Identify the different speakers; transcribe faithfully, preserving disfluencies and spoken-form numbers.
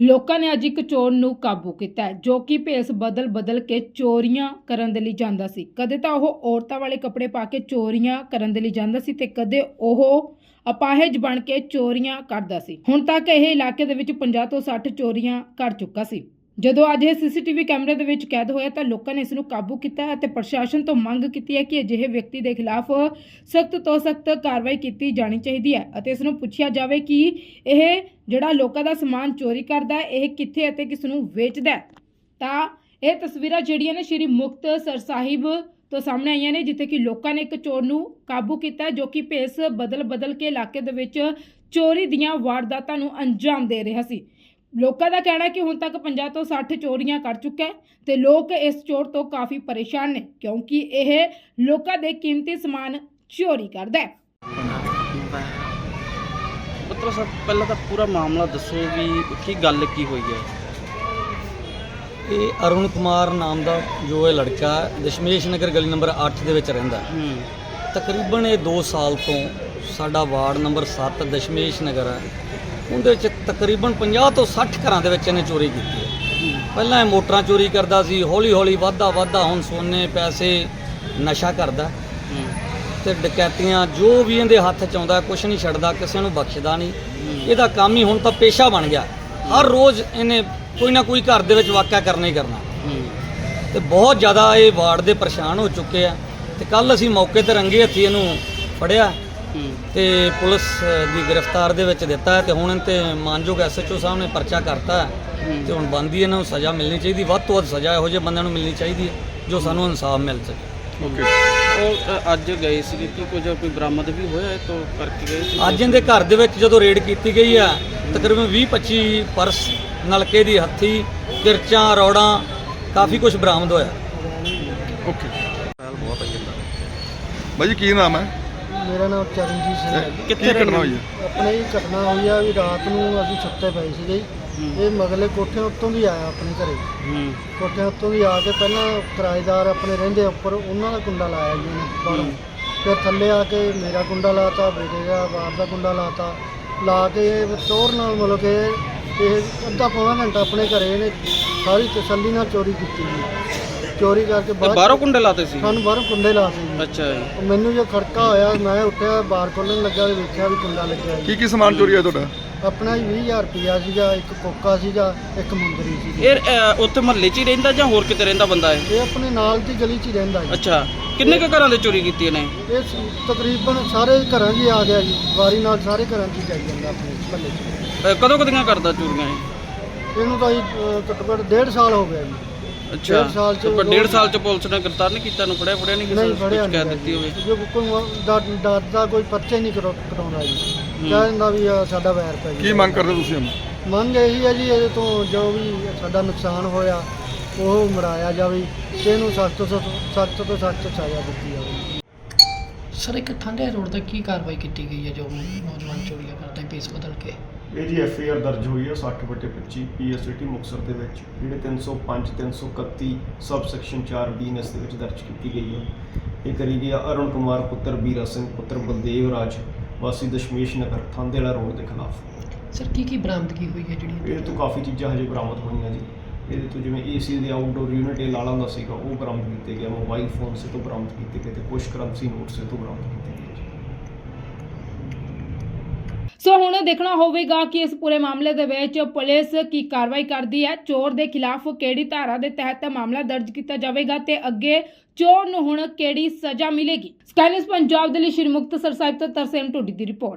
Speaker 1: ਲੋਕਾਂ ਨੇ ਅੱਜ ਇੱਕ ਚੋਰ ਨੂੰ ਕਾਬੂ ਕੀਤਾ ਹੈ ਜੋ ਕਿ ਭੇਸ ਬਦਲ ਬਦਲ ਕੇ ਚੋਰੀਆਂ ਕਰਨ ਦੇ ਲਈ ਜਾਂਦਾ ਸੀ। ਕਦੇ ਤਾਂ ਉਹ ਔਰਤਾਂ ਵਾਲੇ ਕੱਪੜੇ ਪਾ ਕੇ ਚੋਰੀਆਂ ਕਰਨ ਦੇ ਲਈ ਜਾਂਦਾ ਸੀ ਤੇ ਕਦੇ ਉਹ ਅਪਾਹਜ ਬਣ ਕੇ ਚੋਰੀਆਂ ਕਰਦਾ ਸੀ। ਹੁਣ ਤੱਕ ਇਹ ਇਲਾਕੇ ਦੇ ਵਿੱਚ ਪੰਜਾਹ ਤੋਂ ਸੱਠ ਚੋਰੀਆਂ ਕਰ ਚੁੱਕਾ ਸੀ। ਜਦੋਂ ਅੱਜ ਇਹ ਸੀਸੀਟੀਵੀ ਕੈਮਰੇ ਦੇ ਵਿੱਚ ਕੈਦ ਹੋਇਆ ਤਾਂ ਲੋਕਾਂ ਨੇ ਇਸ ਨੂੰ ਕਾਬੂ ਕੀਤਾ ਅਤੇ ਪ੍ਰਸ਼ਾਸਨ ਤੋਂ ਮੰਗ ਕੀਤੀ ਹੈ ਕਿ ਅਜਿਹੇ ਵਿਅਕਤੀ ਦੇ ਖਿਲਾਫ ਸਖਤ ਤੋਂ ਸਖਤ ਕਾਰਵਾਈ ਕੀਤੀ ਜਾਣੀ ਚਾਹੀਦੀ ਹੈ ਅਤੇ ਇਸ ਨੂੰ ਪੁੱਛਿਆ ਜਾਵੇ ਕਿ ਇਹ ਜਿਹੜਾ ਲੋਕਾਂ ਦਾ ਸਮਾਨ ਚੋਰੀ ਕਰਦਾ ਹੈ ਇਹ ਕਿੱਥੇ ਅਤੇ ਕਿਸ ਨੂੰ ਵੇਚਦਾ ਹੈ। ਤਾਂ ਇਹ ਤਸਵੀਰਾਂ ਜਿਹੜੀਆਂ ਨੇ ਸ਼੍ਰੀ ਮੁਕਤਸਰ ਸਾਹਿਬ ਤੋਂ ਸਾਹਮਣੇ ਆਈਆਂ ਨੇ, ਜਿੱਥੇ ਕਿ ਲੋਕਾਂ ਨੇ ਇੱਕ ਚੋਰ ਨੂੰ ਕਾਬੂ ਕੀਤਾ ਜੋ ਕਿ ਭੇਸ ਬਦਲ ਬਦਲ ਕੇ ਇਲਾਕੇ ਦੇ ਵਿੱਚ ਚੋਰੀ ਦੀਆਂ ਵਾਰਦਾਤਾਂ ਨੂੰ ਅੰਜਾਮ ਦੇ ਰਿਹਾ ਸੀ। ਲੋਕਾਂ ਦਾ ਕਹਿਣਾ ਹੈ ਕਿ ਹੁਣ ਤੱਕ ਪੰਜਾਹ ਤੋਂ ਸੱਠ ਚੋਰੀਆਂ ਕਰ ਚੁੱਕਾ ਹੈ ਤੇ ਲੋਕ ਇਸ ਚੋਰ ਤੋਂ ਕਾਫੀ ਪਰੇਸ਼ਾਨ ਨੇ ਕਿਉਂਕਿ ਇਹ ਲੋਕਾਂ ਦੇ ਕੀਮਤੀ ਸਮਾਨ ਚੋਰੀ ਕਰਦਾ ਹੈ।
Speaker 2: ਮਤਲਬ ਸਭ ਪਹਿਲਾਂ ਤਾਂ ਪੂਰਾ ਮਾਮਲਾ ਦੱਸੋ ਵੀ ਕੀ ਗੱਲ ਕੀ ਹੋਈ ਹੈ।
Speaker 3: ਇਹ ਅਰੁਣ ਕੁਮਾਰ ਨਾਮ ਦਾ ਜੋ ਇਹ ਲੜਕਾ ਦਸ਼ਮੇਸ਼ ਨਗਰ ਗਲੀ ਨੰਬਰ ਅੱਠ ਦੇ ਵਿੱਚ ਰਹਿੰਦਾ ਹੈ। ਤਕਰੀਬਨ ਇਹ ਦੋ ਸਾਲ ਤੋਂ ਸਾਡਾ ਵਾਰਡ ਨੰਬਰ ਸੱਤ ਦਸ਼ਮੇਸ਼ ਨਗਰ ਹੈ, ਉਹਦੇ ਵਿੱਚ ਤਕਰੀਬਨ ਪੰਜਾਹ ਤੋਂ ਸੱਠ ਘਰਾਂ ਦੇ ਵਿੱਚ ਇਹਨੇ ਚੋਰੀ ਕੀਤੀ ਹੈ। ਪਹਿਲਾਂ ਇਹ ਮੋਟਰਾਂ ਚੋਰੀ ਕਰਦਾ ਸੀ, ਹੌਲੀ ਹੌਲੀ ਵੱਧਦਾ ਵੱਧਦਾ ਹੁਣ ਸੋਨੇ ਪੈਸੇ ਨਸ਼ਾ ਕਰਦਾ ਤੇ ਡਕੈਤੀਆਂ ਜੋ ਵੀ ਇਹਦੇ ਹੱਥ 'ਚ ਆਉਂਦਾ ਕੁਛ ਨਹੀਂ ਛੱਡਦਾ, ਕਿਸੇ ਨੂੰ ਬਖਸ਼ਦਾ ਨਹੀਂ। ਇਹਦਾ ਕੰਮ ਹੀ ਹੁਣ ਤਾਂ ਪੇਸ਼ਾ ਬਣ ਗਿਆ। ਹਰ ਰੋਜ਼ ਇਹਨੇ ਕੋਈ ਨਾ ਕੋਈ ਘਰ ਦੇ ਵਿੱਚ ਵਾਕਿਆ ਕਰਨਾ ਹੀ ਕਰਨਾ ਤੇ ਬਹੁਤ ਜ਼ਿਆਦਾ ਇਹ ਵਾਰਡ ਦੇ ਪਰੇਸ਼ਾਨ ਹੋ ਚੁੱਕੇ ਆ। ਤੇ ਕੱਲ ਅਸੀਂ ਮੌਕੇ ਤੇ ਰੰਗੇ ਹੱਥੀ ਇਹਨੂੰ ਫੜਿਆ ਤੇ ਪੁਲਿਸ ਦੀ ਗ੍ਰਿਫਤਾਰ ਦੇ ਵਿੱਚ ਦਿੱਤਾ ਤੇ ਹੁਣ ਤੇ ਮਾਨਯੋਗ ਐਸ ਐਚ ਓ ਸਾਹਿਬ ਨੇ ਪਰਚਾ ਕਰਤਾ ਤੇ ਹੁਣ ਬੰਦੀ ਇਹਨਾਂ ਨੂੰ ਸਜ਼ਾ ਮਿਲਣੀ ਚਾਹੀਦੀ, ਵੱਧ ਤੋਂ ਵੱਧ ਸਜ਼ਾ ਇਹੋ ਜਿਹੇ ਬੰਦਿਆਂ ਨੂੰ ਮਿਲਣੀ ਚਾਹੀਦੀ ਹੈ ਜੋ ਸਾਨੂੰ ਇਨਸਾਫ ਮਿਲ ਸਕੇ।
Speaker 2: ਓਕੇ, ਉਹ ਅੱਜ ਗਏ ਸੀ ਕਿ ਕੁਝ ਕੋਈ ਬਰਾਮਦ ਵੀ ਹੋਇਆ ਇਹ ਤੋਂ ਕਰਕੇ ਗਏ ਸੀ।
Speaker 3: ਅੱਜ ਇਹਦੇ ਘਰ ਦੇ ਵਿੱਚ ਜਦੋਂ ਰੇਡ ਕੀਤੀ ਗਈ ਆ ਤਕਰੀਬਨ ਵੀਹ ਪੱਚੀ ਪਰਸ, ਨਲਕੇ ਦੀ ਹੱਥੀ, ਕਿਰਚਾਂ, ਰੌੜਾਂ, ਕਾਫੀ ਕੁਝ ਬਰਾਮਦ ਹੋਇਆ।
Speaker 4: ਓਕੇ, ਬਹੁਤ ਆ ਜਾਂਦਾ ਬਾਈ, ਕੀ ਨਾਮ ਹੈ?
Speaker 5: ਮੇਰਾ ਨਾਮ ਚਰਨਜੀਤ ਸਿੰਘ ਹੈ।
Speaker 4: ਕਿੱਥੇ ਘਟਨਾ ਹੋਈ ਹੈ?
Speaker 5: ਆਪਣੇ ਹੀ ਘਟਨਾ ਹੋਈ ਆ ਵੀ ਰਾਤ ਨੂੰ ਅਸੀਂ ਸੁੱਤੇ ਪਏ ਸੀਗੇ। ਇਹ ਮਗਲੇ ਕੋਠੇ ਉੱਤੋਂ ਵੀ ਆਇਆ ਆਪਣੇ ਘਰੇ। ਕੋਠੇ ਉੱਤੋਂ ਵੀ ਆ ਕੇ ਪਹਿਲਾਂ ਕਿਰਾਏਦਾਰ ਆਪਣੇ ਰਹਿੰਦੇ ਉੱਪਰ, ਉਹਨਾਂ ਦਾ ਕੁੰਡਾ ਲਾਇਆ ਜੀ ਉਹਨੇ ਬਾਹਰੋਂ। ਫਿਰ ਥੱਲੇ ਆ ਕੇ ਮੇਰਾ ਕੁੰਡਾ ਲਾਤਾ, ਬੇਟੇ ਦਾ ਬਾਹਰ ਦਾ ਕੁੰਡਾ ਲਾਤਾ, ਲਾ ਕੇ ਟੋਰ ਨਾਲ ਮਤਲਬ ਕਿ ਇਹ ਅੱਧਾ ਪੌਣਾ ਘੰਟਾ ਆਪਣੇ ਘਰੇ ਇਹਨੇ ਸਾਰੀ ਤਸੱਲੀ ਨਾਲ ਚੋਰੀ ਕੀਤੀ ਜੀ। ਚੋਰੀ ਕਰਕੇ
Speaker 2: ਬਾਹਰੋਂ ਕੁੰਡੇ ਲਾਤੇ ਸੀ?
Speaker 5: ਸਾਨੂੰ ਬਾਹਰੋਂ ਕੁੰਡੇ ਲਾਤੇ ਜੀ।
Speaker 2: ਅੱਛਾ ਜੀ।
Speaker 5: ਮੈਨੂੰ ਜੋ ਖੜਕਾ ਹੋਇਆ ਮੈਂ ਉੱਠਿਆ, ਬਾਹਰ ਖੋਲ੍ਹਣ ਲੱਗਾ ਤੇ ਵੇਖਿਆ ਵੀ ਕੁੰਡਾ ਲੱਗਿਆ ਜੀ।
Speaker 4: ਕੀ ਕੀ ਸਮਾਨ ਚੋਰੀ ਹੋਇਆ ਤੁਹਾਡਾ?
Speaker 5: ਆਪਣਾ ਵੀਹ ਹਜ਼ਾਰ ਰੁਪਇਆ ਸੀਗਾ, ਇੱਕ ਕੋਕਾ ਸੀਗਾ, ਇੱਕ ਮੁੰਦਰੀ ਸੀ।
Speaker 2: ਇਹ ਅ, ਉੱਥੇ ਮਹੱਲੇ 'ਚ ਹੀ ਰਹਿੰਦਾ ਜਾਂ ਹੋਰ ਕਿਤੇ ਰਹਿੰਦਾ ਬੰਦਾ ਹੈ?
Speaker 5: ਇਹ ਆਪਣੇ ਨਾਲ ਦੀ ਗਲੀ 'ਚ ਹੀ ਰਹਿੰਦਾ ਜੀ।
Speaker 2: ਅੱਛਾ, ਕਿੰਨੇ ਕੁ ਘਰਾਂ ਦੇ ਚੋਰੀ ਕੀਤੀ ਇਹਨੇ?
Speaker 5: ਇਹ ਸ- ਤਕਰੀਬਨ ਸਾਰੇ ਘਰਾਂ 'ਚ ਹੀ ਆ ਗਿਆ ਜੀ, ਵਾਰੀ ਨਾਲ ਸਾਰੇ ਘਰਾਂ 'ਚ ਹੀ ਜਾਈ ਜਾਂਦਾ ਆਪਣੇ ਮਹੱਲੇ 'ਚ।
Speaker 2: ਅ, ਕਦੋਂ ਕਦੀਆਂ ਕਰਦਾ ਚੋਰੀਆਂ ਇਹ?
Speaker 5: ਇਹਨੂੰ ਤਾਂ ਜੀ ਅ, ਘੱਟੋ ਘੱਟ ਡੇਢ ਸਾਲ ਹੋ ਗਿਆ ਜੀ।
Speaker 2: ਅੱਛਾ,
Speaker 5: ਡੇਢ ਸਾਲ 'ਚ
Speaker 2: ਪਰ ਡੇਢ ਸਾਲ 'ਚ ਪੁਲਿਸ ਨੇ ਗ੍ਰਿਫਤਾਰ ਨਹੀਂ ਕੀਤਾ ਨੂੰ? ਫੜਿਆ ਫੜਿਆ ਨਹੀਂ ਕਿਸੇ
Speaker 5: ਨਹੀਂ
Speaker 2: ਨੂੰ?
Speaker 5: ਫੜਿਆ
Speaker 2: ਕੁਛ ਕਹਿ
Speaker 5: ਨਹੀਂ
Speaker 2: ਦਿੱਤੀ ਹੋਵੇ
Speaker 5: ਜੋ ਕੋਈ ਡ- ਡਰਦਾ ਕੋਈ ਪਰਚੇ ਨਹੀਂ ਕਰੋ- ਕਰਾਉਂਦਾ ਜੀ। ਕਹਿ ਦਿੰਦਾ ਵੀ ਆਹ ਸਾਡਾ ਵੈਰ ਪੈ
Speaker 4: ਕੀ
Speaker 5: ਗਿਆ।
Speaker 4: ਮੰਗ ਕਰਦੇ ਤੁਸੀਂ ਹੁਣ?
Speaker 5: ਮੰਗ ਇਹੀ ਹੈ ਜੀ ਇਹਦੇ ਤੋਂ ਜੋ ਵੀ ਸਾਡਾ ਨੁਕਸਾਨ ਹੋਇਆ ਉਹ ਮੜਾਇਆ ਜਾਵੇ ਤੇ ਇਹਨੂੰ ਸਖਤ ਤੋਂ ਸਖਤ ਤੋਂ ਸਖਤ ਸਜ਼ਾ ਦਿੱਤੀ ਜਾਵੇ।
Speaker 6: ਸਰ, ਇੱਕ ਠੰਡੇ ਰੋਡ ਤੇ ਕੀ ਕਾਰਵਾਈ ਕੀਤੀ ਗਈ ਹੈ ਜੋ ਨੌਜਵਾਨ ਚੋਰੀਆਂ ਕਰਦਾ ਹੈ ਭੇਸ ਬਦਲ ਕੇ?
Speaker 7: ਇਹ ਜੀ ਐਫ ਆਈ ਆਰ ਦਰਜ ਹੋਈ ਹੈ ਸੱਠ ਬਟੇ ਪੱਚੀ ਪੀ ਐਸ ਸਿਟੀ ਮੁਕਤਸਰ ਦੇ ਵਿੱਚ, ਜਿਹੜੇ ਤਿੰਨ ਸੌ ਪੰਜ ਤਿੰਨ ਸੌ ਇਕੱਤੀ ਸਬ ਸੈਕਸ਼ਨ ਚਾਰ ਬੀ ਐਨ ਐਸ ਦੇ ਵਿੱਚ ਦਰਜ ਕੀਤੀ ਗਈ ਹੈ। ਇਹ ਕਰੀ ਗਈ ਅਰੁਣ ਕੁਮਾਰ ਪੁੱਤਰ ਬੀਰਾ ਸਿੰਘ ਪੁੱਤਰ ਬਲਦੇਵ ਰਾਜ ਵਾਸੀ ਦਸ਼ਮੇਸ਼ ਨਗਰ ਥਾਂਦੇਲਾ ਰੋਡ ਦੇ ਖਿਲਾਫ।
Speaker 6: ਸਰ, ਕੀ ਕੀ ਬਰਾਮਦਗੀ ਹੋਈ ਹੈ ਜਿਹੜੀ?
Speaker 7: ਇਹ ਤੋਂ ਕਾਫੀ ਚੀਜ਼ਾਂ ਹਜੇ ਬਰਾਮਦ ਹੋਈਆਂ ਜੀ। ਇਹਦੇ ਤੋਂ ਜਿਵੇਂ ਏ ਸੀ ਦੇ ਆਊਟਡੋਰ ਯੂਨਿਟ ਇਹ ਲਾਲਾ ਦਾ ਸੀਗਾ ਉਹ ਬਰਾਮਦ ਕੀਤੇ ਗਿਆ, ਮੋਬਾਈਲ ਫੋਨ ਸੇ ਤੋਂ ਬਰਾਮਦ ਕੀਤੇ ਗਏ ਤੇ ਕੁਝ ਕਰੰਸੀ ਨੋਟ ਸੇ ਤੋਂ ਬਰਾਮਦ ਕੀਤੇ ਗਏ।
Speaker 1: ਸੋ ਹੁਣ ਦੇਖਣਾ ਹੋਵੇਗਾ ਕਿ ਇਸ ਪੂਰੇ ਮਾਮਲੇ ਦੇ ਵਿੱਚ ਪੁਲਿਸ ਕੀ ਕਾਰਵਾਈ ਕਰਦੀ ਹੈ, ਚੋਰ ਦੇ ਖਿਲਾਫ ਕਿਹੜੀ ਧਾਰਾ ਦੇ ਤਹਿਤ ਮਾਮਲਾ ਦਰਜ ਕੀਤਾ ਜਾਵੇਗਾ ਤੇ ਅੱਗੇ ਚੋਰ ਨੂੰ ਹੁਣ ਕਿਹੜੀ ਸਜ਼ਾ ਮਿਲੇਗੀ। ਸਕਾਈ ਨਿਊਜ਼ ਪੰਜਾਬ ਦੇ ਲਈ ਸ਼੍ਰੀ ਮੁਕਤਸਰ ਸਾਹਿਬ ਤੋਂ ਤਰਸੇਮ ਟੋਡੀ ਦੀ ਰਿਪੋਰਟ।